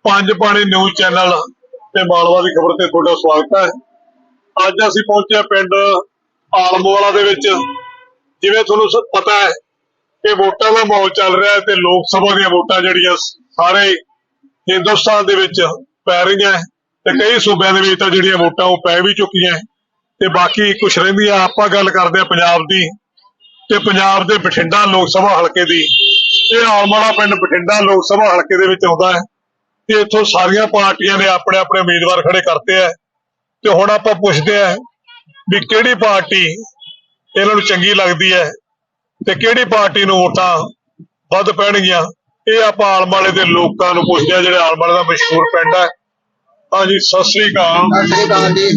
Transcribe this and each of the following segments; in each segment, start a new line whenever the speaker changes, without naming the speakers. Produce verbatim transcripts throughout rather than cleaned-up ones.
पंज पानी news channel ते मालवा की खबर ते तुहाडा स्वागत है। अज असीं पहुंचे पिंड आलमवाला दे विच। जिवें तुहानूं पता है कि वोटां दा माहौल चल रहा है ते लोक सभा दीयां वोटां जिहड़ियां सारे हिंदुस्तान दे विच पै रहीआं ते कई सूबिआं दे विच तां जिहड़ियां वोटां ओह पै भी चुकीआं ते बाकी कुछ रहिंदिआं। आपां गल करदे आं पंजाब दी ते पंजाब दे बठिंडा लोक सभा हलके दी। ਇਹ ਆਲਮਵਾਲਾ पिंड बठिंडा लोक सभा हल्के ਦੇ ਵਿੱਚ ਆਉਂਦਾ है ਤੇ ਇੱਥੋਂ ਸਾਰੀਆਂ ਪਾਰਟੀਆਂ ਨੇ ਆਪਣੇ ਆਪਣੇ ਉਮੀਦਵਾਰ ਖੜੇ ਕਰਤੇ ਆ ਤੇ ਹੁਣ ਆਪਾਂ ਪੁੱਛਦੇ ਆ ਵੀ ਕਿਹੜੀ ਪਾਰਟੀ ਇਹਨਾਂ ਨੂੰ ਚੰਗੀ ਲੱਗਦੀ ਹੈ ਤੇ ਕਿਹੜੀ ਪਾਰਟੀ ਨੂੰ ਵੋਟਾਂ ਵੱਧ ਪੈਣਗੀਆਂ। ਇਹ ਆਪਾਂ ਆਲਮਵਾਲੇ ਦੇ ਲੋਕਾਂ ਨੂੰ ਪੁੱਛਦੇ ਆ ਜਿਹੜੇ ਆਲਮਵਾਲੇ ਦਾ ਮਸ਼ਹੂਰ ਪਿੰਡ ਹੈ। ਹਾਂਜੀ ਸਤਿ ਸ੍ਰੀ ਅਕਾਲ।
ਸਤਿ ਸ੍ਰੀ ਅਕਾਲ ਜੀ।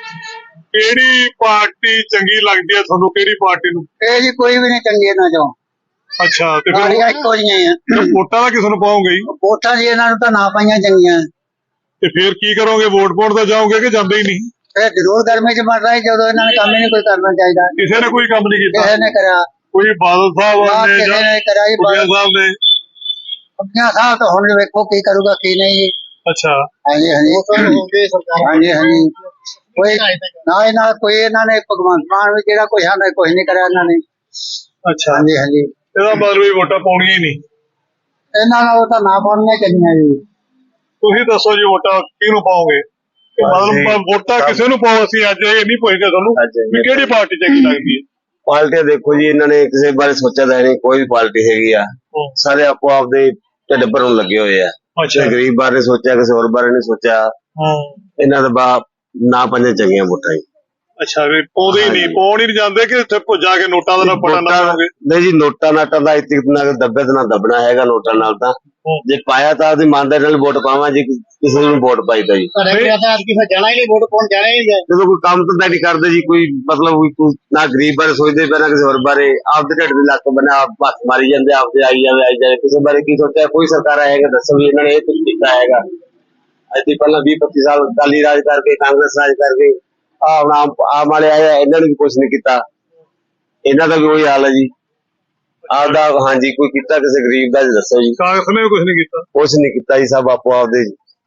ਕਿਹੜੀ ਪਾਰਟੀ ਚੰਗੀ ਲੱਗਦੀ ਹੈ ਤੁਹਾਨੂੰ? ਕਿਹੜੀ ਪਾਰਟੀ ਨੂੰ?
ਇਹ ਜੀ ਕੋਈ ਵੀ ਨਹੀਂ ਚੰਗੀ ਇਹਨਾਂ ਚੋਂ।
ਅੱਛਾ ਤੇ ਫਿਰ
ਸਾਰੀਆਂ ਇੱਕੋ ਜਿਹੀਆਂ ਆ।
ਵੋਟਾਂ ਦਾ ਕਿਸ ਨੂੰ ਪਾਓਗੇ?
ਵੋਟਾਂ ਜੀ ਇਹਨਾਂ ਨੂੰ ਤਾਂ ਨਾ ਪਾਈਆਂ ਚੰਗੀਆਂ।
ਤੇ ਫਿਰ ਕੀ ਕਰੋਗੇ? ਵੋਟ ਪਾਉਣ ਤਾਂ ਜਾਓਗੇ ਕਿ ਜਾਂਦੇ ਹੀ ਨਹੀਂ?
ਇਹ ਜ਼ਰੂਰ ਗਰਮੀ ਚ ਮਰ ਰਿਹਾ ਜਦੋਂ ਇਹਨਾਂ ਨੇ ਕੰਮ ਹੀ ਨਹੀਂ ਕੋਈ ਕਰਨਾ ਚਾਹੀਦਾ।
ਕਿਸੇ ਨੇ ਕੋਈ ਕੰਮ ਨਹੀਂ ਕੀਤਾ?
ਕਿਸੇ ਨੇ ਕਰਿਆ
ਕੋਈ ਬਾਦਲ ਸਾਹਿਬ
ਨਾ
ਨੇ
ਕਿਸੇ ਨੇ ਕਰਿਆ ਜੀ।
ਬੁੱਢਾ ਸਾਹਿਬ ਨੇ?
ਬੁੱਢਾ ਸਾਹਿਬ ਤਾਂ ਹੁਣ ਵੇਖੋ ਕੀ ਕਰੂਗਾ ਕੀ ਨਹੀਂ ਜੀ।
ਅੱਛਾ
ਹਾਂਜੀ ਹਾਂਜੀ ਹਾਂਜੀ ਹਾਂਜੀ ਕੋਈ ਨਾ ਇਹਨਾਂ ਕੋਈ ਇਹਨਾਂ ਨੇ ਭਗਵੰਤ ਮਾਨ ਵੀ ਜਿਹੜਾ ਕੋਈ ਹਾਂ ਕੁਝ ਨਹੀਂ ਕਰਿਆ ਇਹਨਾਂ ਨੇ।
ਅੱਛਾ
ਹਾਂਜੀ ਹਾਂਜੀ
ਇਹਦਾ ਮਤਲਬ ਵੀ ਵੋਟਾਂ ਪਾਉਣੀਆਂ ਹੀ ਨਹੀਂ
ਇਹਨਾਂ ਨੂੰ ਤਾਂ ਨਾ ਪਾਉਣੀਆਂ ਚਾਹੀਦੀਆਂ ਜੀ।
ਤੁਸੀਂ ਦੱਸੋ ਜੀ ਵੋਟਾਂ ਕਿਹਨੂੰ ਪਾਓਗੇ? ਮਤਲਬ ਵੋਟਾਂ ਕਿਸੇ ਨੂੰ ਪਾਓ। ਅਸੀਂ ਅੱਜ ਇਹ ਨਹੀਂ ਪੁੱਛਦੇ ਤੁਹਾਨੂੰ ਵੀ ਕਿਹੜੀ ਪਾਰਟੀ ਚੰਗੀ ਲੱਗਦੀ ਹੈ।
ਪਾਰਟੀਆਂ ਦੇਖੋ ਜੀ, ਇਹਨਾਂ ਨੇ ਕਿਸੇ ਬਾਰੇ ਸੋਚਿਆ ਤਾਂ ਨਹੀਂ। ਕੋਈ ਵੀ ਪਾਰਟੀ ਹੈਗੀ ਆ, ਸਾਰੇ ਆਪੋ ਆਪਦੇ ਢਿੱਡ ਭਰਨ ਲੱਗੇ ਹੋਏ ਆ।
ਅੱਛਾ
ਗਰੀਬ ਬਾਰੇ ਸੋਚਿਆ, ਕਿਸੇ ਹੋਰ ਬਾਰੇ ਨਹੀਂ ਸੋਚਿਆ। ਇਹਨਾਂ ਦਾ ਬਾਪ ਨਾ ਪੰਜੇ ਚੰਗੀਆਂ ਵੋਟਾਂ ਜੀ।
ਅੱਛਾ ਵੀ ਪਾਉਂਦੇ ਹੀ ਨਹੀਂ, ਪਾਉਣ ਹੀ ਨਹੀਂ ਜਾਂਦੇ ਕਿ ਇੱਥੇ ਭੁੱਜਾ ਕੇ ਨੋਟਾਂ ਦਾ ਪੜਾ ਨਾ ਪਾਓਗੇ?
ਨਹੀਂ ਜੀ, ਨੋਟਾਂ ਨਾਟਾਂ ਦਾ ਇੱਥੇ ਨਾ ਦੱਬੇ ਤੇ ਨਾ ਦੱਬਣਾ ਹੈਗਾ ਨੋਟਾਂ ਨਾਲ। ਤਾਂ ਜੇ ਪਾਇਆ ਤਾਂ ਆਪਦੀ ਇਮਾਨਦਾਰੀ ਨਾਲ ਵੋਟ ਪਾਵਾਂ ਜੀ, ਕਿਸੇ ਨੂੰ ਵੋਟ ਪਾਈਦਾ ਜੀ।
ਜਾਣਾ ਹੀ ਨਹੀਂ ਵੋਟ ਪਾਉਣ ਜਾਣਾ ਹੀ ਨਹੀਂ।
ਜਦੋਂ ਕੋਈ ਕੰਮ ਤਾਂ ਨਹੀਂ ਕਰਦੇ ਜੀ, ਕੋਈ ਮਤਲਬ ਕੋਈ ਨਾ ਗਰੀਬ ਬਾਰੇ ਸੋਚਦੇ ਪਏ ਨਾ ਕਿਸੇ ਹੋਰ ਬਾਰੇ। ਆਪਦੇ ਢਿੱਡ ਦੇ ਲੱਕ ਬਣਾ ਆਪ ਹੱਥ ਮਾਰੀ ਜਾਂਦੇ, ਆਪਦੇ ਆਈ ਜਾਵੇ ਆਈ ਜਾਵੇ। ਕਿਸੇ ਬਾਰੇ ਕੀ ਸੋਚਿਆ? ਕੋਈ ਸਰਕਾਰ ਆਏਗਾ ਦੱਸੋ ਵੀ ਇਹਨਾਂ ਨੇ ਇਹ ਕੁਝ ਕੀਤਾ ਹੈਗਾ? ਅੱਜ ਪਹਿਲਾਂ ਵੀਹ ਪੱਚੀ ਸਾਲ ਅਕਾਲੀ ਰਾਜ ਕਰਕੇ, ਕਾਂਗਰਸ ਰਾਜ ਕਰਕੇ ਆਮ ਆਮ ਵਾਲੇ ਆਏ, ਇਹਨਾਂ ਨੇ ਵੀ ਕੁਛ ਨੀ ਕੀਤਾ। ਇਹਨਾਂ ਦਾ ਵੀ ਉਹੀ ਹਾਲ ਹੈ ਜੀ ਆਪਦਾ। ਹਾਂਜੀ ਕੋਈ ਕੀਤਾ ਕਿਸੇ ਗਰੀਬ ਦਾ? ਦੱਸੋ ਜੀ।
ਕਾਂਗਰਸ ਨੇ ਵੀ ਕੁਛ ਨਹੀਂ ਕੀਤਾ?
ਕੁਛ ਨੀ ਕੀਤਾ ਜੀ, ਸਭ ਆਪੋ ਆਪਦੇ।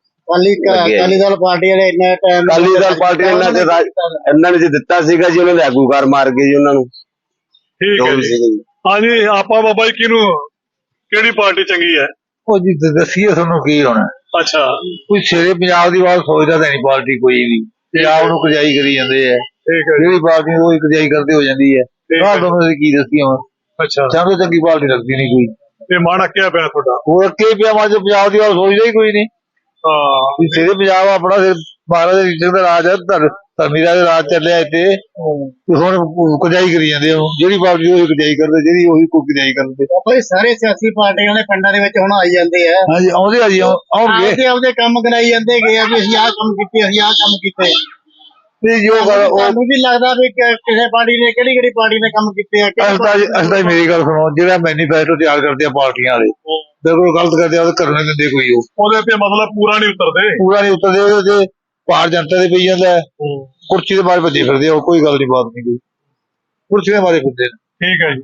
ਅਕਾਲੀ ਦਲ ਪਾਰਟੀ ਵਾਲੇ ਇੰਨਾ ਟਾਈਮ
ਅਕਾਲੀ ਦਲ ਪਾਰਟੀ ਇਹਨਾਂ ਨੇ ਇਹਨਾਂ ਨੇ ਜੇ ਦਿੱਤਾ ਸੀਗਾ ਜੀ, ਉਹਨਾਂ ਦੇ ਆਗੂਕਾਰ ਮਾਰ ਗਏ ਜੀ ਉਹਨਾਂ ਨੂੰ।
ਠੀਕ ਹੈ ਜੀ। ਹਾਂਜੀ ਆਪਾਂ ਬਾਬਾ ਜੀ ਕਿਹਨੂੰ, ਕਿਹੜੀ ਪਾਰਟੀ ਚੰਗੀ ਹੈ?
ਉਹ ਜੀ ਦੱਸੀਏ ਤੁਹਾਨੂੰ ਕੀ ਹੋਣਾ।
ਅੱਛਾ
ਕੋਈ ਸ਼ੇਰੇ ਪੰਜਾਬ ਦੀ ਬਾਤ ਸੋਚਦਾ ਤਾਂ ਨਹੀਂ ਪਾਰਟੀ ਕੋਈ ਵੀ। ਪੰਜਾਬ ਨੂੰ ਕਜਾਈ ਕਰੀ ਜਾਂਦੇ ਆ।
ਠੀਕ ਹੈ।
ਜਿਹੜੀ ਪਾਰਟੀ ਉਹ ਕਜਾਈ ਕਰਦੇ ਹੋ ਜਾਂਦੀ ਹੈ। ਆਹ ਤੁਹਾਨੂੰ ਕੀ ਦੱਸੀਏ ਹੁਣ।
ਅੱਛਾ
ਚੰਗੀ ਚੰਗੀ ਪਾਰਟੀ ਲੱਗਦੀ ਨਹੀਂ ਕੋਈ।
ਤੇ ਮਨ ਅੱਕਿਆ ਪਿਆ ਤੁਹਾਡਾ?
ਉਹ ਅੱਕੇ ਪਿਆ ਮਾ ਪੰਜਾਬ ਦੀ ਬਾਤ ਸੋਚਦਾ ਹੀ ਕੋਈ ਨਹੀਂ।
ਹਾਂ
ਸ਼ੇਰੇ ਪੰਜਾਬ ਆਪਣਾ ਮਹਾਰਾਜ ਦੇ ਸਿੰਘ ਦਾ ਰਾਜ ਹੈ, ਧਰਮੀ ਦਾ ਰਾਜ ਚੱਲਿਆ ਇੱਥੇ। ਹੁਣ ਕਜਾਈ ਕਰੀ ਜਾਂਦੇ ਆ। ਜਿਹੜੀ ਪਾਰਟੀ ਉਹ ਕਜਾਈ ਕਰਦੇ, ਜਿਹੜੀ ਉਹੀ ਕੋਈ ਕਜਾਈ ਕਰਦੇ।
ਕੋਈ ਸਾਰੇ ਸਿਆਸੀ ਪਾਰਟੀਆਂ ਦੇ ਪਿੰਡਾਂ ਦੇ ਵਿੱਚ ਹੁਣ ਆਈ ਜਾਂਦੇ ਆ।
ਹਾਂਜੀ ਆਉਂਦੇ ਆ ਜੀ, ਆਉਣਗੇ।
ਆਪਦੇ ਆਪਦੇ ਕੰਮ ਕਰਾਈ ਜਾਂਦੇ ਗਏ ਆ ਵੀ ਅਸੀਂ ਆਹ ਕੰਮ ਕੀਤੇ, ਅਸੀਂ ਆਹ ਕੰਮ ਕੀਤੇ।
ਜੋ ਗੱਲ ਉਹ
ਤੁਹਾਨੂੰ ਵੀ ਲੱਗਦਾ ਵੀ ਕਿਸੇ ਪਾਰਟੀ ਨੇ ਕਿਹੜੀ ਕਿਹੜੀ ਪਾਰਟੀ ਨੇ ਕੰਮ ਕੀਤੇ ਆ?
ਅਸਦਾ ਮੇਰੀ ਗੱਲ ਸੁਣੋ, ਜਿਹੜਾ ਮੈਨੀਫੈਸਟੋ ਤਿਆਰ ਕਰਦੇ ਆ ਪਾਰਟੀਆਂ ਵਾਲੇ, ਬਿਲਕੁਲ ਗਲਤ ਕਰਦੇ ਆ। ਉਹ ਕਰਨ ਨਹੀਂ ਦਿੰਦੇ ਕੋਈ। ਉਹ
ਉਹਦੇ ਤੇ ਮਤਲਬ ਪੂਰਾ ਨਹੀਂ ਉਤਰਦੇ।
ਪੂਰਾ ਨਹੀਂ ਉਤਰਦੇ। ਉਹਦੇ ਤੇ ਭਾਰ ਜਨਤਾ ਦੇ ਪਈ ਜਾਂਦਾ। ਕੁਰਸੀ ਦੇ ਬਾਰੇ ਭੱਜੇ ਫਿਰਦੇ ਆ। ਕੋਈ ਗੱਲ ਨਹੀਂ, ਬਾਤ ਨਹੀਂ ਕੋਈ। ਕੁਰਸੀ ਦੇ ਬਾਰੇ ਫਿਰਦੇ ਨੇ।
ਠੀਕ ਹੈ ਜੀ।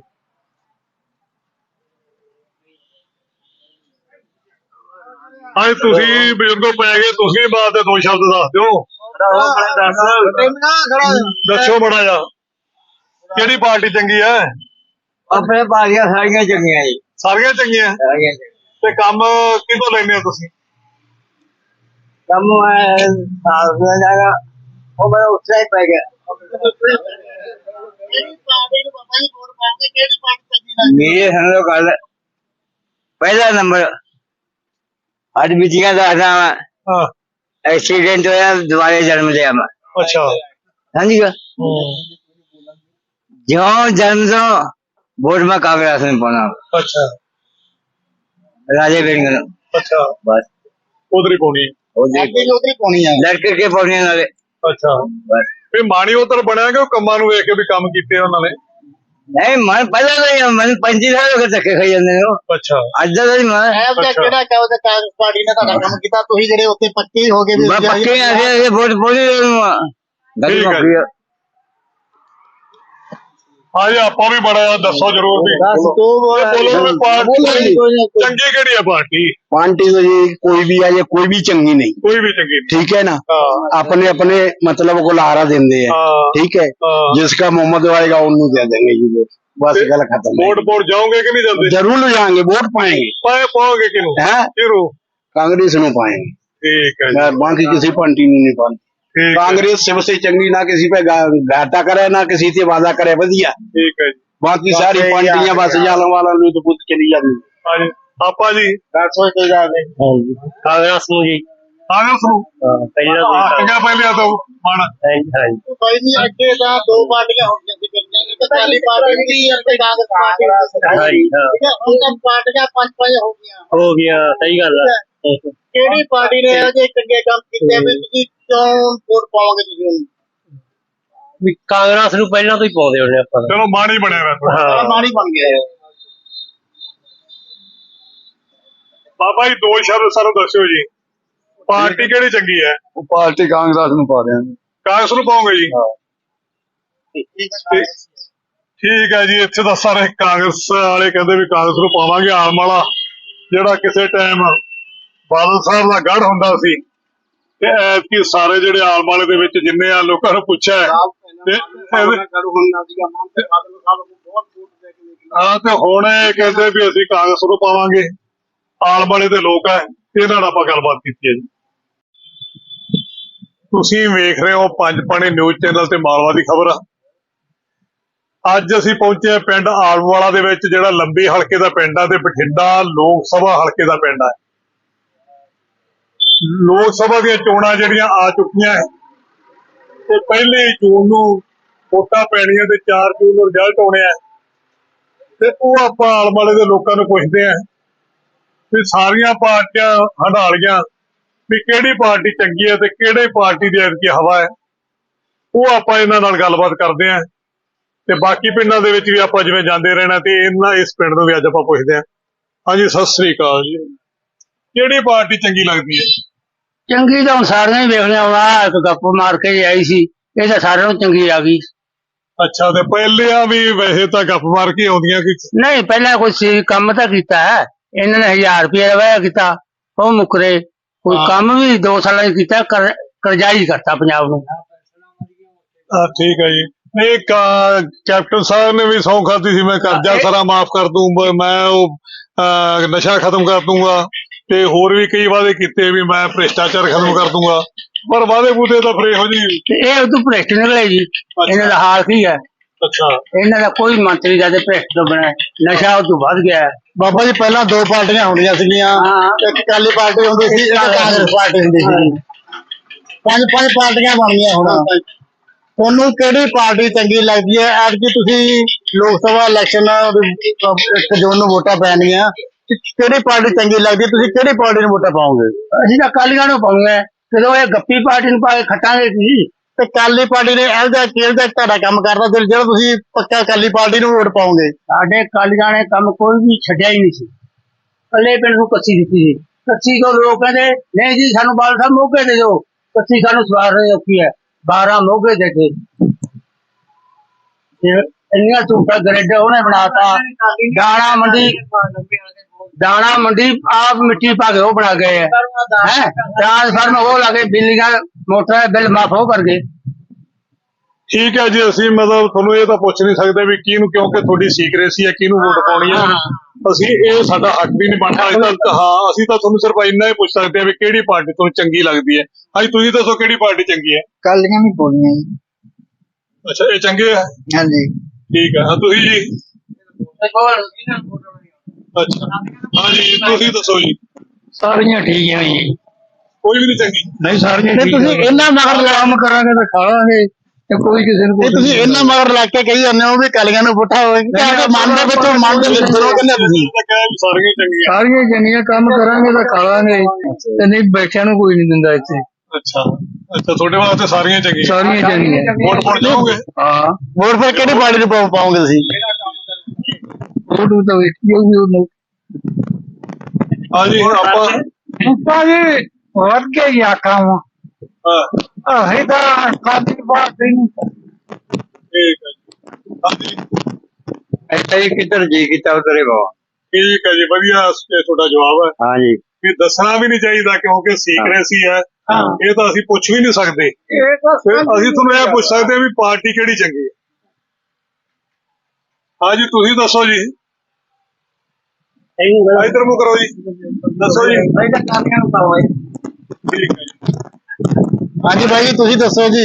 ਅੱਜ ਤੁਸੀਂ ਬਜ਼ੁਰਗੋ ਪੈ ਗਏ, ਤੁਸੀਂ ਬਾਤ ਦੇ ਦੋ ਸ਼ਬਦ ਦੱਸ ਦਿਓ। ਦੱਸੋ ਬੜਾ ਜਾ ਕਿਹੜੀ ਪਾਰਟੀ ਚੰਗੀ ਹੈ?
ਆਪਣੇ ਪਾਰਟੀਆਂ ਸਾਰੀਆਂ ਚੰਗੀਆਂ ਜੀ।
ਸਾਰੀਆਂ ਚੰਗੀਆਂ ਤੇ ਕੰਮ ਕਿਹਦੋਂ ਲੈਂਦੇ ਹੋ ਤੁਸੀਂ?
ਕੰਮ ਜਾਏਗਾ ਉਹ ਮੈਂ ਉੱਥੇ ਹੀ ਪੈ ਗਿਆ। ਮੇਰੇ ਸਾਨੂੰ ਗੱਲ ਪਹਿਲਾ ਨੰਬਰ ਅੱਜ ਬੀਤੀਆਂ ਦੱਸਦਾ
ਹਾਂ
एक्सीडेंट होया दोबारे जन्म लिया मैं।
अच्छा
समझ गया? जो जन्म तो वोट में कांग्रेस में पाना।
अच्छा
राजे बेंगल।
अच्छा
बस
उधर ही पानी
उधर ही पानी है लड़के के पानी नाले।
अच्छा
बस
फिर माणी उधर बनाया कि कम्मा नु वेख के भी काम कीते उन्होंने?
नहीं मैं पहले नहीं मैं पंजी साल हो गए धक्के खाई जांदे हो।
अच्छा
ਅੱਜ ਦਾ ਨਹੀਂ ਮੈਂ ਹੈ ਉਹਦਾ ਕਿਹੜਾ ਕਹੋ ਤੇ ਕਾਂਗਰਸ ਪਾਰਟੀ ਨੇ ਤੁਹਾਡਾ ਕੰਮ ਕੀਤਾ ਤੁਸੀਂ ਜਿਹੜੇ ਉੱਤੇ ਪੱਕੇ ਹੋ ਗਏ ਵੀ ਪੱਕੇ ਆ ਇਹ ਵੋਟ ਪੋਲੀ ਨੂੰ
ਠੀਕ ਹੈ। ਹਾਂਜੀ ਆਪਾਂ ਵੀ ਬੜਾ ਦੱਸੋ ਜਰੂਰ ਵੀ
ਦੱਸ ਤੂੰ ਬੋਲ
ਇਹ ਬੋਲੋ ਵੀ ਪਾਰਟੀ ਚੰਗੀ ਕਿਹੜੀ ਹੈ ਪਾਰਟੀ
पार्टी तो जी कोई भी है ये कोई भी चंगी नहीं
ਕੋਈ ਵੀ ਚੰਗੀ ਨਹੀਂ
ठीक है ना
ਹਾਂ
अपने अपने मतलब को लहारा देंगे हैं
ਹਾਂ
ठीक है
ਹਾਂ
जिसका मोहम्मद आएगा उन्हें दे देंगे जी वोट बस
ते-
गल खत्म है।
ਵੋਟ ਵੋਟ ਜਾਓਗੇ ਕਿ ਨਹੀਂ ਜਾਂਦੇ
जरूर जाएंगे वोट पाएंगे
ਪਾਏ ਪਾਓਗੇ ਕਿਨੂੰ
हैं
ਕਿਹਨੂੰ
कांग्रेस नु पाएंगे
ਠੀਕ है जी
यार बाकी किसी पार्टी नु नहीं पाएंगे
ठीक है
कांग्रेस सबसे चंगी ना किसी पे गा- घाटा करे ना किसी से वादा करे बढ़िया
ठीक है जी
बाकी सारी पार्टियां बस जालन वाला नु तो खुद चली जाती
हाँ जी आपा जी
कांग्रेस नु जी
ਕਾਂਗਰਸ ਨੂੰ
पहले
ਆਟੀਆਂ ਪਹਿਲੇ ਤੋਂ ਮਨ
ਕੋਈ ਨਹੀਂ ਅੱਗੇ ਤਾਂ ਦੋ ਪਾਰਟੀਆਂ ਹੁੰਦੀਆਂ ਸੀ ਕਈਆਂ ਨੇ ਅਕਾਲੀ ਪਾਰਟੀ ਵੀ ਅਤੇ ਕਾਂਗਰਸ ਪਾਰਟੀ
ਹਾਂਜੀ, ਹਾਂ।
ਠੀਕ ਹੈ ਹੁਣ ਤਾਂ ਪਾਰਟੀਆਂ ਪੰਜ ਪੰਜ ਹੋ ਗਈਆਂ
हो गया सही गल है
ਕਿਹੜੀ ਪਾਰਟੀ ਨੇ ਅਜੇ ਚੰਗੇ ਕੰਮ ਕੀਤੇ ਆ ਵੀ ਤੁਸੀਂ ਕਿਉਂ ਵੋਟ ਪਾਓਗੇ ਤੁਸੀਂ ਉਹਨੂੰ
ਵੀ ਕਾਂਗਰਸ ਨੂੰ ਪਹਿਲਾਂ ਤੋਂ ਹੀ ਪਾਉਂਦੇ ਹੁੰਦੇ ਆਪਾਂ
ਚਲੋ ਮਾਣ ਹੀ ਬਣਿਆ ਵੈਸੇ
ਹਾਂ
ਮਾੜੀ ਬਣ ਗਿਆ ਹੈ।
ਬਾਬਾ ਜੀ ਦੋ ਸ਼ਬਦ ਸਾਨੂੰ ਦੱਸਿਓ ਜੀ ਪਾਰਟੀ ਕਿਹੜੀ ਚੰਗੀ ਹੈ
ਪਾਰਟੀ ਕਾਂਗਰਸ ਨੂੰ ਪਾ ਦਿਆਂਗੇ
ਕਾਂਗਰਸ ਨੂੰ ਪਾਓਗੇ ਜੀ
ਠੀਕ ਹੈ
ਠੀਕ ਹੈ ਜੀ ਇੱਥੇ ਤਾਂ ਸਾਰੇ ਕਾਂਗਰਸ ਵਾਲੇ ਕਹਿੰਦੇ ਵੀ ਕਾਂਗਰਸ ਨੂੰ ਪਾਵਾਂਗੇ ਆਮ ਵਾਲਾ ਜਿਹੜਾ ਕਿਸੇ ਟਾਈਮ ਬਾਦਲ ਸਾਹਿਬ ਦਾ ਗੜ ਹੁੰਦਾ ਸੀ ਤੇ ਐਤਕੀ ਸਾਰੇ ਜਿਹੜੇ ਆਮ ਵਾਲੇ ਦੇ ਵਿੱਚ ਜਿੰਨੇ ਆ ਲੋਕਾਂ ਨੂੰ ਪੁੱਛਿਆ ਹੈ, ਤੇ ਇਹਦੇ- ਹਾਂ ਤੇ ਹੁਣ ਇਹ ਕਹਿੰਦੇ ਵੀ ਅਸੀਂ ਕਾਂਗਰਸ ਨੂੰ ਪਾਵਾਂਗੇ ਆਲ ਵਾਲੇ ਦੇ ਲੋਕ ਹੈ ਇਹਨਾਂ ਨਾਲ ਆਪਾਂ ਗੱਲਬਾਤ ਕੀਤੀ ਹੈ ਜੀ ਤੁਸੀਂ ਵੇਖ ਰਹੇ ਹੋ ਪੰਜ ਪਾਣੀ ਨਿਊਜ਼ ਚੈਨਲ ਤੇ ਮਾਲਵਾ ਦੀ ਖਬਰ ਅੱਜ ਅਸੀਂ ਪਹੁੰਚੇ ਹਾਂ ਪਿੰਡ ਆਲਮਵਾਲਾ ਦੇ ਵਿੱਚ ਜਿਹੜਾ ਲੰਬੀ ਹਲਕੇ ਦਾ ਪਿੰਡ ਆ ਤੇ ਬਠਿੰਡਾ ਲੋਕ ਸਭਾ ਹਲਕੇ ਦਾ ਪਿੰਡ ਆ ਲੋਕ ਸਭਾ ਦੀਆਂ ਚੋਣਾਂ ਜਿਹੜੀਆਂ ਆ ਚੁੱਕੀਆਂ ਹੈ ਤੇ ਪਹਿਲੀ ਜੂਨ ਨੂੰ ਵੋਟਾਂ ਪੈਣੀਆਂ ਤੇ ਚਾਰ ਜੂਨ ਨੂੰ ਰਿਜ਼ਲਟ ਆਉਣੇ ਆ ਤੇ ਉਹ ਆਪਾਂ ਆਲਮਵਾਲੇ ਦੇ ਲੋਕਾਂ ਨੂੰ ਪੁੱਛਦੇ ਆ ਵੀ ਸਾਰੀਆਂ ਪਾਰਟੀਆਂ ਹੰਡਾਲੀਆਂ ਵੀ ਕਿਹੜੀ ਪਾਰਟੀ ਚੰਗੀ ਹੈ ਤੇ ਕਿਹੜੇ ਪਾਰਟੀ ਦੀ ਐਤਕੀ ਹਵਾ ਹੈ ਉਹ ਆਪਾਂ ਇਹਨਾਂ ਨਾਲ ਗੱਲਬਾਤ ਕਰਦੇ ਆਂ ਤੇ ਬਾਕੀ ਪਿੰਡਾਂ ਦੇ ਵਿੱਚ ਵੀ ਆਪਾਂ ਜਿਵੇਂ ਜਾਂਦੇ ਰਹਿਣਾ ਤੇ ਇਹਨਾਂ ਇਸ ਪਿੰਡ ਨੂੰ ਵੀ ਅੱਜ ਆਪਾਂ ਪੁੱਛਦੇ ਆਂ ਹਾਂਜੀ ਸਤਿ ਸ੍ਰੀ ਅਕਾਲ ਜੀ ਕਿਹੜੀ ਪਾਰਟੀ ਚੰਗੀ ਲੱਗਦੀ ਹੈ
ਚੰਗੀ ਤਾਂ ਹੁਣ ਸਾਰੀਆਂ ਹੀ ਵੇਖਣੀਆਂ ਆਉਣਾ ਇੱਕ ਗੱਪ ਮਾਰ ਕੇ ਹੀ ਆਈ ਸੀ ਇਹ ਤਾਂ ਸਾਰਿਆਂ ਨੂੰ ਚੰਗੀ ਆ ਗਈ
ਅੱਛਾ ਤੇ ਪਹਿਲਿਆਂ ਵੀ ਵੈਸੇ ਤਾਂ ਗੱਪ ਮਾਰ ਕੇ ਆਉਂਦੀਆਂ ਕਿ
ਨਹੀਂ ਪਹਿਲਾਂ ਕੋਈ ਸੀ ਕੰਮ ਤਾਂ ਕੀਤਾ ਹੈ ਇਹਨਾਂ ਨੇ ਹਜ਼ਾਰ ਰੁਪਏ ਵਾਇਆ ਕੀਤਾ ਉਹ ਮੁਕਰੇ ਕੋਈ
ਹਾਂ।
ਕੰਮ ਵੀ ਦੋ ਸਾਲਾਂ ਚ ਕੀਤਾ ਕਰ- ਕਰਜ਼ਾਈ ਕਰਤਾ ਪੰਜਾਬ ਨੂੰ
ਹਾਂ ਠੀਕ ਹੈ ਜੀ ਨਹੀਂ ਕਾ- ਕੈਪਟਨ ਸਾਹਿਬ ਨੇ ਵੀ ਸਹੁੰ ਖਾਧੀ ਸੀ ਮੈਂ ਕਰਜ਼ਾ ਸਾਰਾ ਮਾਫ ਕਰ ਦੂੰ ਬ- ਮੈਂ ਉਹ ਅਹ, ਨਸ਼ਾ ਖਤਮ ਕਰ ਦੂੰਗਾ ਤੇ ਹੋਰ ਵੀ ਕਈ ਵਾਅਦੇ ਕੀਤੇ ਵੀ ਮੈਂ ਭ੍ਰਿਸ਼ਟਾਚਾਰ ਖਤਮ ਕਰ ਦੂੰਗਾ ਪਰ ਵਾਅਦੇ ਬੂਦੇ ਤਾਂ ਫਿਰ ਇਹੋ ਜੀ
ਤੇ ਇਹ ਉਦੋਂ ਭ੍ਰਿਸ਼ਟ ਨਿਕਲੇ ਜੀ ਇਹਨਾਂ ਦਾ ਹਾਲ ਕੀ ਹੈ
ਅੱਛਾ
ਇਹਨਾਂ ਦਾ ਕੋਈ ਮੰਤਰੀ ਦਾ ਤੇ ਭ੍ਰਿਸ਼ਟ ਤੋਂ ਬਣਿਆ ਨਸ਼ਾ ਉਦੋਂ ਵੱਧ ਗਿਆ ਹੈ।
ਬਾਬਾ ਜੀ ਪਹਿਲਾਂ ਦੋ ਪਾਰਟੀਆਂ ਹੁੰਦੀਆਂ ਸੀਗੀਆਂ
ਹਾਂ।
ਇੱਕ ਅਕਾਲੀ ਪਾਰਟੀ ਹੁੰਦੀ ਸੀ ਇੱਕ ਕਾਂਗਰਸ ਪਾਰਟੀ ਹੁੰਦੀ ਸੀ ਪੰਜ ਪੰਜ ਪਾਰਟੀਆਂ ਬਣ ਗਈਆਂ ਹੁਣ ਤੁਹਾਨੂੰ ਕਿਹੜੀ ਪਾਰਟੀ ਚੰਗੀ ਲੱਗਦੀ ਹੈ ਐਤਕੀ ਤੁਸੀਂ ਲੋਕ ਸਭਾ ਇਲੈਕਸ਼ਨ ਇੱਕ ਜੂਨ ਨੂੰ ਵੋਟਾਂ ਪੈਣਗੀਆਂ ਤੇ ਕਿਹੜੀ ਪਾਰਟੀ ਚੰਗੀ ਲੱਗਦੀ ਹੈ ਤੁਸੀਂ ਕਿਹੜੀ ਪਾਰਟੀ ਨੂੰ ਵੋਟਾਂ ਪਾਓਗੇ
ਅਸੀਂ ਤਾਂ ਕਾਲੀਆਂ ਨੂੰ ਪਾਉਂਗੇ ਜਦੋਂ ਇਹ ਗੱਪੀ ਪਾਰਟੀ ਨੂੰ ਪਾ ਕੇ ਖੱਟਾਂਗੇ ਜੀ
ਤੇ ਅਕਾਲੀ ਪਾਰਟੀ ਨੇ ਇਹੋ ਜਿਹਾ ਕਿਹੋ ਜਿਹਾ ਤੁਹਾਡਾ ਕੰਮ ਕਰਦਾ ਤੇ ਜਿਹੜਾ ਤੁਸੀਂ ਪੱਕਾ ਅਕਾਲੀ ਪਾਰਟੀ ਨੂੰ ਵੋਟ ਪਾਓਗੇ
ਸਾਡੇ ਕਾਲੀਆਂ ਨੇ ਕੰਮ ਕੋਈ ਵੀ ਛੱਡਿਆ ਹੀ ਨਹੀਂ ਸੀ ਕੱਲੇ ਪਿੰਡ ਨੂੰ ਕੱਚੀ ਦਿੱਤੀ ਸੀ ਕੱਚੀ ਤੋਂ ਲੋਕ ਕਹਿੰਦੇ ਨਹੀਂ ਜੀ ਸਾਨੂੰ ਬਾਲ ਸਾਹਿਬ ਮੋਗੇ ਦੇ ਦਿਓ ਕੱਚੀ ਸਾਨੂੰ ਸਵਾਰ ਰਹੇ ਔਖੀ ਹੈ ਬਾਰਾਂ ਮੋਗੇ ਦੇ ਕੇ ਤੇ ਇੰਨੀਆਂ ਝੂਠਾ ਗ੍ਰਿਡ ਉਹਨੇ ਬਣਾਤਾ ਦਾਣਾ ਮੰਡੀ ਦਾਣਾ ਮੰਡੀ ਆਪ ਮਿੱਟੀ ਪਾ ਕੇ ਉਹ ਬਣਾ ਗਏ ਹੈ ਹੈਂ? ਟ੍ਰਾਂਸਫਾਰਮ ਉਹ ਲਾ ਕੇ ਬਿਜਲੀਆਂ ਮੋਟਰਾਂ ਦੇ ਬਿੱਲ ਮਾਫ ਹੋ ਕਰ ਗਏ
ਠੀਕ ਹੈ ਜੀ ਅਸੀਂ ਮਤਲਬ ਤੁਹਾਨੂੰ ਇਹ ਤਾਂ ਪੁੱਛ ਨਹੀਂ ਸਕਦੇ ਵੀ ਕਿਹਨੂੰ ਕਿਉਂਕਿ ਤੁਹਾਡੀ ਸੀਕ੍ਰੇਸੀ ਹੈ ਕਿਹਨੂੰ ਵੋਟ ਪਾਉਣੀ ਹੈ ਅਸੀਂ ਇਹ ਸਾਡਾ ਹੱਕ ਵੀ ਨਹੀਂ ਬਣਦਾ ਅੱਜ ਤੱਕ ਹਾਂ ਅਸੀਂ ਤਾਂ ਤੁਹਾਨੂੰ ਸਿਰਫ ਇੰਨਾ ਹੀ ਪੁੱਛ ਸਕਦੇ ਹਾਂ ਵੀ ਕਿਹੜੀ ਪਾਰਟੀ ਤੁਹਾਨੂੰ ਚੰਗੀ ਲੱਗਦੀ ਹੈ ਅੱਜ ਤੁਸੀਂ ਦੱਸੋ ਕਿਹੜੀ ਪਾਰਟੀ ਚੰਗੀ ਹੈ
ਕਾਲੀਆਂ ਵੀ ਬੋਲੀਆਂ ਜੀ
ਅੱਛਾ ਇਹ ਚੰਗੇ ਹੈ
ਹਾਂਜੀ
ਠੀਕ ਹੈ ਹਾਂ ਤੁਸੀਂ ਜੀ ਅੱਛਾ ਹਾਂਜੀ ਤੁਸੀਂ ਦੱਸੋ ਜੀ
ਸਾਰੀਆਂ ਠੀਕ ਹੈ ਜੀ
ਕੋਈ ਵੀ ਨਹੀਂ ਚੰਗੀ
ਨਹੀਂ ਸਾਰੀਆਂ
ਤੇ ਤੁਸੀਂ ਇਹਨਾਂ ਮਗਰ ਲਾ-
ਕੰਮ ਕਰਾਂਗੇ ਤਾਂ ਖਾਵਾਂਗੇ ਤੇ ਕੋਈ ਕਿਸੇ ਨੂੰ
ਇਹ ਤੁਸੀਂ ਇਹਨਾਂ ਮਗਰ ਲੱਗ ਕੇ ਕਹੀ ਜਾਂਦੇ ਹੋ ਵੀ ਕਾਲੀਆਂ ਨੂੰ ਪੁੱਠਾ ਹੋਵੇ ਕਿ ਮਨ ਦੇ ਵਿੱਚੋਂ ਮਨ ਦੇ ਵਿੱਚ ਕਰੋ ਕਹਿੰਦੇ ਤੁਸੀਂ
ਤਾਂ ਕਹਿ ਵੀ ਸਾਰੀਆਂ ਹੀ ਚੰਗੀਆਂ
ਸਾਰੀਆਂ ਚੰਗੀਆਂ ਕੰਮ ਕਰਾਂਗੇ ਤਾਂ ਖਾਵਾਂਗੇ ਤੇ ਨਹੀਂ ਬੈਠਿਆਂ ਨੂੰ ਕੋਈ ਨਹੀਂ ਦਿੰਦਾ ਇੱਥੇ
ਅੱਛਾ ਅੱਛਾ ਤੁਹਾਡੇ ਵਾਸਤੇ ਸਾਰੀਆਂ ਹੀ ਚੰਗੀਆਂ
ਸਾਰੀਆਂ ਚੰਗੀਆਂ
ਵੋਟ ਪਾਉਣ ਜਾਓਗੇ
ਹਾਂ
ਵੋਟ ਫਿਰ ਕਿਹੜੀ ਪਾਰਟੀ ਨੂੰ ਪਾਓ- ਪਾਓਗੇ ਤੁਸੀਂ
ਉਹ ਤਾਂ ਵੇਖੀ ਹੋਊਗੀ ਉਹਨੂੰ
ਹਾਂਜੀ ਆਪਾਂ
ਉੱਪਾ ਜੀ ਵੱਧ ਕੇ ਹੀ ਆਖਾਂ
ਹਾਂ
ਅਸੀਂ ਤਾਂ ਸਾਡੀ ਬਾਤ ਨਹੀਂ
ਠੀਕ ਹੈ ਜੀ। ਹਾਂਜੀ
ऐसा ही किधर जी किता उधर ही बाबा
ਠੀਕ ਹੈ ਜੀ, ਵਧੀਆ ਇਹ ਤੁਹਾਡਾ ਜਵਾਬ ਹੈ।
हाँ जी
ਇਹ ਦੱਸਣਾ ਵੀ ਨਹੀਂ ਚਾਹੀਦਾ ਕਿਉਂਕਿ ਸੀਕ੍ਰੇਸੀ ਹੈ, ਇਹ ਤਾਂ ਅਸੀਂ ਪੁੱਛ ਵੀ ਨਹੀਂ ਸਕਦੇ। ਫਿਰ ਅਸੀਂ ਤੁਹਾਨੂੰ ਇਹ ਪੁੱਛ ਸਕਦੇ ਹਾਂ ਵੀ ਪਾਰਟੀ ਕਿਹੜੀ ਚੰਗੀ ਹੈ। ਹਾਂਜੀ ਤੁਸੀਂ ਦੱਸੋ ਜੀ, ਇਧਰ ਮੂੰਹ ਕਰੋ ਜੀ, ਦੱਸੋ ਜੀ। ਠੀਕ ਹੈ ਜੀ।
ਹਾਂਜੀ ਬਾਈ ਜੀ ਤੁਸੀਂ ਦੱਸੋ ਜੀ।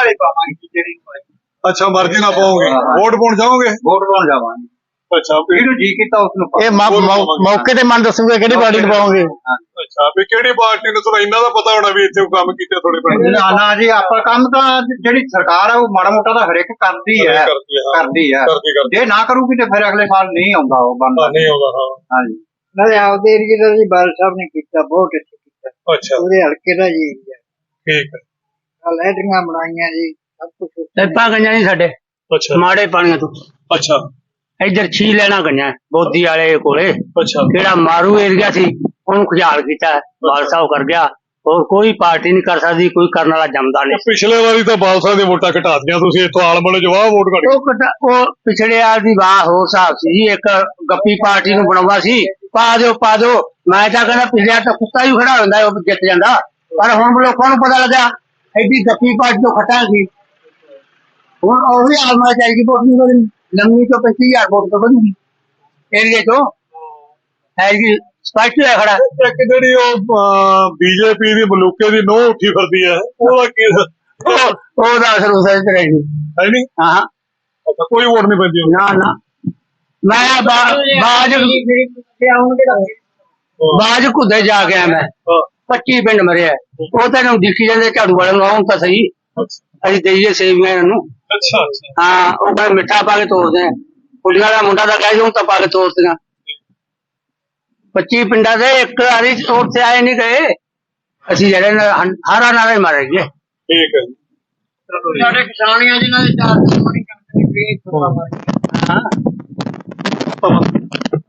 ਅੱਛਾ ਮਰਜ਼ੀ ਨਾਲ ਪਾਓਗੇ, ਵੋਟ ਪਾਉਣ ਜਾਓਗੇ?
वोट पाउन जावांगे
ਅੱਛਾ ਵੀ
जी किता उसनु
ਇਹ ਮੌ- ਮੌ- ਮੌਕੇ ਤੇ ਮਨ ਦੱਸੂਗੇ ਕਿਹੜੀ ਪਾਰਟੀ ਨੂੰ ਪਾਓਗੇ।
ਅੱਛਾ ਵੀ ਕਿਹੜੀ ਪਾਰਟੀ ਨੂੰ, ਤੁਹਾਨੂੰ ਇੰਨਾ ਦਾ ਪਤਾ ਹੋਣਾ ਵੀ ਇੱਥੇ ਕੰਮ ਕੀਤੇ ਤੁਹਾਡੇ ਪਿੰਡ
ਨਾ ਨਾ ਜੀ ਆਪਾਂ ਕੰਮ ਤਾਂ ਜਿਹੜੀ ਸਰਕਾਰ ਹੈ ਉਹ ਮਾੜਾ ਮੋਟਾ ਤਾਂ ਹਰੇਕ ਕਰਦੀ ਹੈ
ਕਰਦੀ ਹੈ, ਹਾਂ।
ਕਰਦੀ ਹੈ
ਕਰਦੀ ਕਰਦੀ
ਜੇ ਨਾ ਕਰੂਗੀ ਤੇ ਫਿਰ ਅਗਲੇ ਸਾਲ ਨਹੀਂ ਆਉਂਦਾ ਉਹ ਬੰਦਾ
ਹਾਂ, ਨਹੀਂ ਆਉਂਦਾ ਹਾਂ।
ਹਾਂਜੀ ਨਾਲੇ ਆਪਦੇ ਏਰੀਏ ਦਾ ਜੀ ਬਾਲ ਸਾਹਿਬ ਨੇ ਕੀਤਾ ਬਹੁਤ ਅੱਛਾ ਕੀਤਾ
ਅੱਛਾ
ਉਹਦੇ ਹਲਕੇ ਦਾ ਜੀ
ਠੀਕ ਹੈ।
ਲੈਟਰੀਆਂ ਬਣਾਈਆਂ ਜੀ ਸਭ ਕੁਝ ਟੈਪਾਂ ਗਈਆਂ ਜੀ ਸਾਡੇ
ਅੱਛਾ
ਮਾੜੇ ਪਾਣੀਆਂ ਤੋਂ
ਅੱਛਾ
ਇੱਧਰ ਛੀ ਲੈਣਾ ਗਈਆਂ ਬੋਦੀ ਵਾਲੇ ਕੋਲੇ
ਅੱਛਾ
ਕਿਹੜਾ ਮਾਰੂ ਏਰੀਆ ਸੀ ਉਹਨੂੰ ਖੁਸ਼ਹਾਲ ਕੀਤਾ ਬਾਲ ਸਾਹਿਬ ਕਰ ਗਿਆ ਹੋਰ ਕੋਈ ਪਾਰਟੀ ਨਹੀਂ ਕਰ ਸਕਦੀ ਕੋਈ ਕਰਨ ਵਾਲਾ ਜੰਮਦਾ ਨਹੀਂ
ਪਿਛਲੇ ਵਾਰੀ ਤਾਂ ਬਾਲਸਾ ਦੀਆਂ ਵੋਟਾਂ ਘਟਾ ਦਿੱਤੀਆਂ ਤੁਸੀਂ, ਇੱਥੋਂ ਆਲਮਣੇ ਜਵਾਬ ਵੋਟ ਘਟ ਗਈ।
ਉਹ ਕਟਾ- ਉਹ ਪਿਛਲੇ ਵਾਰ ਦੀ ਵਾਹ ਹੋਰ ਹਿਸਾਬ ਸੀ ਜੀ ਇੱਕ ਗੱਪੀ ਪਾਰਟੀ ਨੂੰ ਬਣਾਉਣਾ ਸੀ ਪਾ ਦਿਓ ਪਾ ਦਿਓ ਮੈਂ ਤਾਂ ਕਹਿੰਦਾ ਪਿਛਲੇ ਵਾਰ ਤਾਂ ਕੁੱਤਾ ਵੀ ਖੜਾ ਹੁੰਦਾ ਉਹ ਜਿੱਤ ਜਾਂਦਾ ਪਰ ਹੁਣ ਲੋਕਾਂ ਨੂੰ ਪਤਾ ਲੱਗਾ ਐਡੀ ਗੱਪੀ ਪਾਰਟੀ ਤੋਂ ਖਟਾ ਸੀ ਹੁਣ ਉਹ ਵੀ ਆਲਮਾ ਚਾਹੀਦੀ ਵੋਟ ਨਹੀਂ ਵਧਣੀ ਲੰਮੀ ਤੋਂ ਪੱਚੀ ਹਜ਼ਾਰ ਵੋਟ ਤੋਂ ਵਧੂਗੀ ਏਰੀਏ ਤੋਂ ਹੈ ਜੀ ਸਪਸ਼ਟ ਹੈ ਖੜਾ
ਇੱਕ ਜਿਹੜੀ ਉਹ ਬੀਜੇਪੀ ਦੀ ਮਲੂਕੇ ਦੀ ਨੋਹ ਉੱਠੀ ਫਿਰਦੀ ਹੈ, ਉਹਦਾ ਕੀ ਹੈ
ਉਹ ਉਹਦਾ ਅਸਰ ਉਸ ਤੇ ਰਹੇਗੀ
ਨਹੀਂ?
ਹਾਂ ਹਾਂ
ਅੱਛਾ ਕੋਈ ਵੋਟ ਨਹੀਂ ਪੈਂਦੀ ਉਹਨੂੰ?
ਨਾ ਨਾ ਮੈਂ ਬਾ- ਬਾਜ ਬਾਜ ਕੁੱਦੇ ਜਾ ਕੇ ਆਇਆ ਮੈਂ
ਹਾਂ,
ਪੱਚੀ ਪਿੰਡ ਮਰਿਆ ਉਹ ਤਾਂ ਇਹਨੂੰ ਦਿਖੀ ਜਾਂਦੇ ਝਾੜੂ ਵਾਲੇ ਨੂੰ ਆਉਂ ਤਾਂ ਸਹੀ
ਅੱਛਾ
ਅਸੀਂ ਦੇਈਏ ਸੇਵੀਆਂ ਇਹਨਾਂ ਨੂੰ
ਅੱਛਾ ਅੱਛਾ
ਹਾਂ ਉਹ ਕਹਿੰਦੇ ਮਿੱਠਾ ਪਾ ਕੇ ਤੋੜਦੇ ਆ ਕੁੜੀਆਂ ਦਾ ਮੁੰਡਾ ਤਾਂ ਕਹਿ ਦੂੰ ਤਾਂ ਪਾ ਕੇ ਤੋੜਦੀਆਂ ਪੱਚੀ ਪਿੰਡਾਂ ਦੇ ਇੱਕ ਵਾਰੀ ਤੋੜ ਤੇ ਆਏ ਨਹੀਂ ਗਏ ਅਸੀਂ ਜਿਹੜੇ ਨਾਲ ਹਾਰਾ ਨਾਲੇ ਮਾਰੇ ਗਏ
ਠੀਕ ਹੈ ਜੀ।
ਸਾਡੇ ਕਿਸਾਨੀਆਂ ਜਿਨ੍ਹਾਂ ਦੇ ਚਾਰ ਮਣੀ ਕਣਕ ਦੀ
ਹਾਂ।